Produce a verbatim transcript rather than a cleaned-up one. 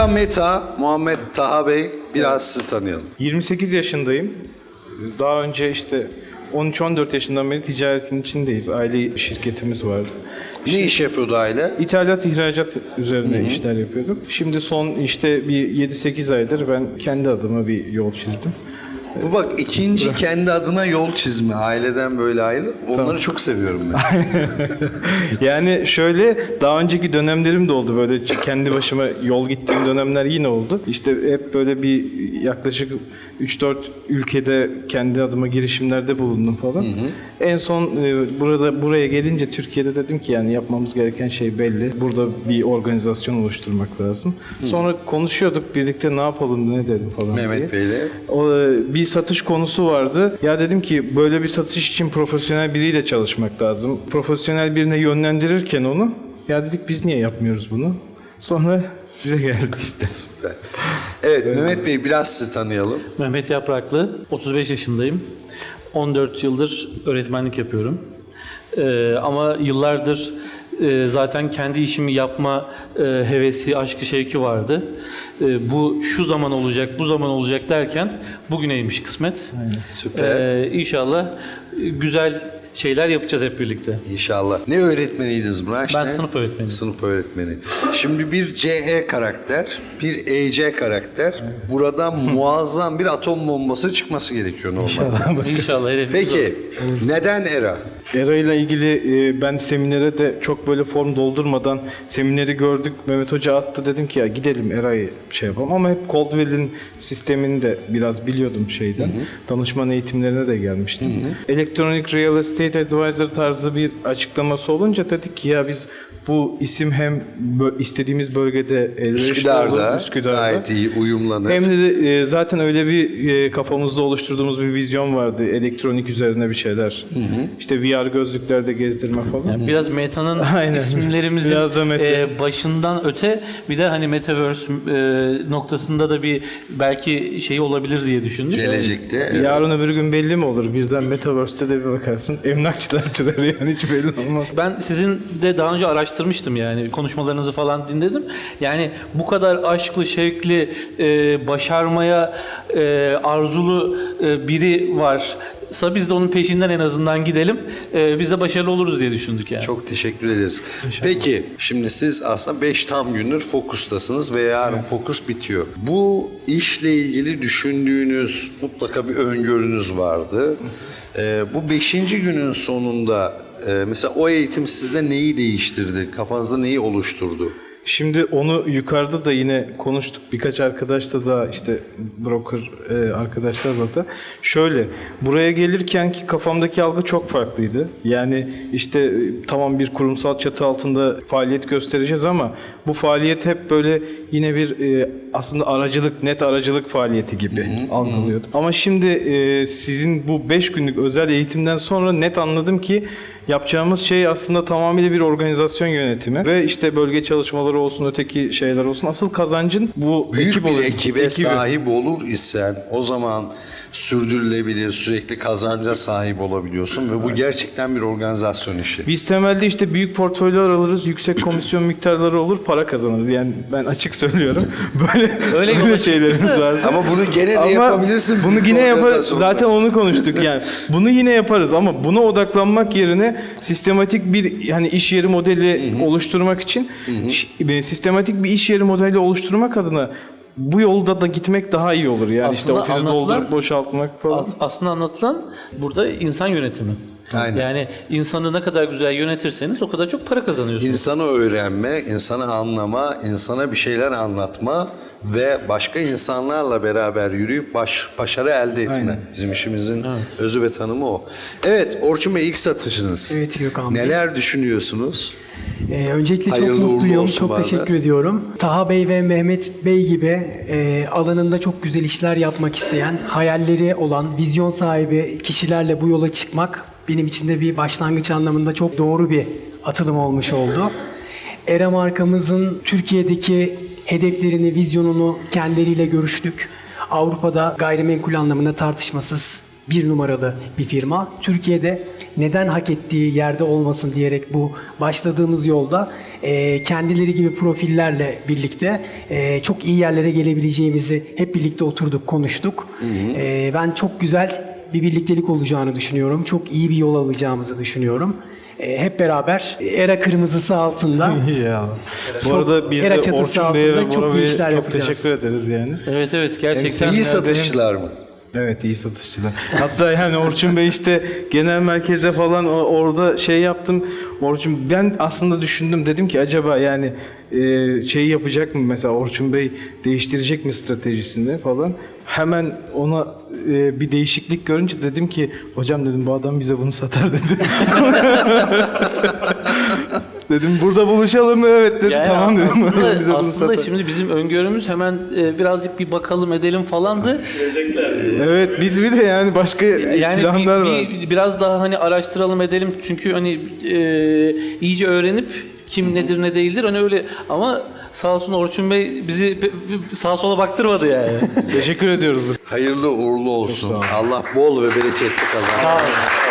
Era Meta, Muhammed Taha Bey, biraz sizi tanıyalım. yirmi sekiz yaşındayım. Daha önce işte on üç on dört yaşından beri ticaretin içindeyiz. Aile şirketimiz vardı. Ne iş yapıyordu aile? İthalat, ihracat üzerine Hı-hı. işler yapıyorduk. Şimdi son işte bir yedi sekiz aydır ben kendi adıma bir yol çizdim. Bu bak ikinci kendi adına yol çizme. Aileden böyle ayrı. Onları tamam. çok seviyorum ben. Yani şöyle daha önceki dönemlerim de oldu. Böyle kendi başıma yol gittiğim dönemler yine oldu. İşte hep böyle bir yaklaşık üç dört ülkede kendi adıma girişimlerde bulundum falan. Hı hı. En son e, burada buraya gelince Türkiye'de dedim ki yani yapmamız gereken şey belli. Burada bir organizasyon oluşturmak lazım. Hı. Sonra konuşuyorduk birlikte ne yapalım ne dedim falan Mehmet diye. Bey'le. O, bir satış konusu vardı. Ya dedim ki böyle bir satış için profesyonel biriyle çalışmak lazım. Profesyonel birine yönlendirirken onu ya dedik biz niye yapmıyoruz bunu? Sonra size geldik işte. Süper. Evet, evet Mehmet Bey biraz sizi tanıyalım. Mehmet Yapraklı, otuz beş yaşındayım. on dört yıldır öğretmenlik yapıyorum. Ee, ama yıllardır e, zaten kendi işimi yapma e, hevesi, aşkı, şevki vardı. E, bu şu zaman olacak, bu zaman olacak derken bugüneymiş kısmet. Aynen. Süper. Ee, İnşallah güzel şeyler yapacağız hep birlikte. İnşallah. Ne öğretmeniydiniz Branş? Ben ne? sınıf öğretmeniyim. Sınıf öğretmeni. Şimdi bir C E karakter, bir E C karakter. Buradan muazzam bir atom bombası çıkması gerekiyor normalde. İnşallah. İnşallah. Peki, neden Era? Era ile ilgili e, ben seminere de çok böyle form doldurmadan semineri gördük. Mehmet Hoca attı dedim ki ya gidelim Era'yı şey yapalım. Ama hep Coldwell'in sistemini de biraz biliyordum şeyden. Hı hı. Danışman eğitimlerine de gelmiştim. Hı hı. Electronic Real Estate Advisor tarzı bir açıklaması olunca dedik ki ya biz bu isim hem bö- istediğimiz bölgede elverişli Üsküdar'da, olur, Üsküdar'da gayet iyi uyumlanır. Hem de e, zaten öyle bir e, kafamızda oluşturduğumuz bir vizyon vardı. Elektronik üzerine bir şeyler. Hı hı. İşte V R gözlüklerde gezdirme falan. Yani biraz Meta'nın isimlerimizin biraz da meta. e, başından öte bir de hani Metaverse e, noktasında da bir belki şey olabilir diye düşündük. Gelecekte. Evet. Yarın öbür gün belli mi olur? Birden Metaverse'te de bir bakarsın. Emlakçılar yani hiç belli olmaz. Ben sizin de daha önce araştırmıştım yani konuşmalarınızı falan dinledim. Yani bu kadar aşklı, şevkli, e, başarmaya e, arzulu e, biri varsa biz de onun peşinden en azından gidelim. E, biz de başarılı oluruz diye düşündük yani. Çok teşekkür ederiz. İnşallah. Peki şimdi siz aslında beş tam gündür fokustasınız ve yarın evet. fokus bitiyor. Bu işle ilgili düşündüğünüz mutlaka bir öngörünüz vardı. Ee, bu beşinci günün sonunda e, mesela o eğitim sizde neyi değiştirdi? Kafanızda neyi oluşturdu? Şimdi onu yukarıda da yine konuştuk. Birkaç arkadaşla da işte broker e, arkadaşlarla da. Şöyle buraya gelirken ki kafamdaki algı çok farklıydı. Yani işte e, tamam bir kurumsal çatı altında faaliyet göstereceğiz ama bu faaliyet hep böyle yine bir e, aslında aracılık, net aracılık faaliyeti gibi hı hı, algılıyordum. Hı. Ama şimdi e, sizin bu beş günlük özel eğitimden sonra net anladım ki yapacağımız şey aslında tamamıyla bir organizasyon yönetimi ve işte bölge çalışmaları olsun, öteki şeyler olsun. Asıl kazancın bu büyük ekip bir olur, ekibe ekibi. sahip olur isen o zaman sürdürülebilir, sürekli kazanca sahip olabiliyorsun ve bu gerçekten bir organizasyon işi. Biz temelde işte büyük portföyler alırız, yüksek komisyon miktarları olur, para kazanırız. Yani ben açık söylüyorum. Böyle öyle böyle şeylerimiz var. Ama bunu gene de ama yapabilirsin. Bunu yine yaparız. Zaten onu konuştuk yani. Bunu yine yaparız ama buna odaklanmak yerine sistematik bir hani iş yeri modeli hı hı. oluşturmak için hı hı. sistematik bir iş yeri modeli oluşturmak adına bu yolda da gitmek daha iyi olur. Yani aslında işte ofisi doldurup boşaltmak falan. As, aslında anlatılan burada insan yönetimi. Aynen. Yani insanı ne kadar güzel yönetirseniz o kadar çok para kazanıyorsunuz. İnsanı öğrenme, insanı anlama, insana bir şeyler anlatma ve başka insanlarla beraber yürüyüp baş, başarı elde etme. Aynen. Bizim işimizin evet. özü ve tanımı o. Evet, Orçun Bey ilk satışınız. Evet Gökhan Bey. Neler düşünüyorsunuz? Ee, öncelikle Hayırlı çok mutluyum, çok bana. teşekkür ediyorum. Taha Bey ve Mehmet Bey gibi e, alanında çok güzel işler yapmak isteyen, hayalleri olan, vizyon sahibi kişilerle bu yola çıkmak benim için de bir başlangıç anlamında çok doğru bir atılım olmuş oldu. Era markamızın Türkiye'deki hedeflerini, vizyonunu kendileriyle görüştük. Avrupa'da gayrimenkul anlamında tartışmasız bir numaralı bir firma. Türkiye'de neden hak ettiği yerde olmasın diyerek bu başladığımız yolda e, kendileri gibi profillerle birlikte e, çok iyi yerlere gelebileceğimizi hep birlikte oturduk, konuştuk. E, ben çok güzel bir birliktelik olacağını düşünüyorum. Çok iyi bir yol alacağımızı düşünüyorum. E, hep beraber Era kırmızısı altında İnşallah. Bu Çok arada biz de era çatısı Orçun Bey'e ve altında çok Bora iyi Bey'e işler çok yapacağız. teşekkür ederiz yani. Evet evet gerçekten. İyi Hem- satışçılar mı? Evet, iyi satışçılar. Hatta yani Orçun Bey işte genel merkeze falan o- orada şey yaptım. Orçun ben aslında düşündüm, dedim ki acaba yani e, şey yapacak mı mesela, Orçun Bey değiştirecek mi stratejisini falan. Hemen ona e, bir değişiklik görünce dedim ki hocam dedim bu adam bize bunu satar dedim. Dedim burada buluşalım mı? Evet dedi. Yani Tamam dedim. aslında, Bize bunu aslında satar. şimdi bizim öngörümüz hemen e, birazcık bir bakalım edelim falandı. Evet, biz bir de yani başka Yani planlar bir, var. bir- biraz daha hani araştıralım edelim çünkü hani e, iyice öğrenip kim nedir ne değildir hani öyle, ama sağ olsun Orçun Bey bizi pe- pe- sağa sola baktırmadı yani. Teşekkür ediyoruz. Hayırlı uğurlu olsun. Allah bol ve bereketli kazansın.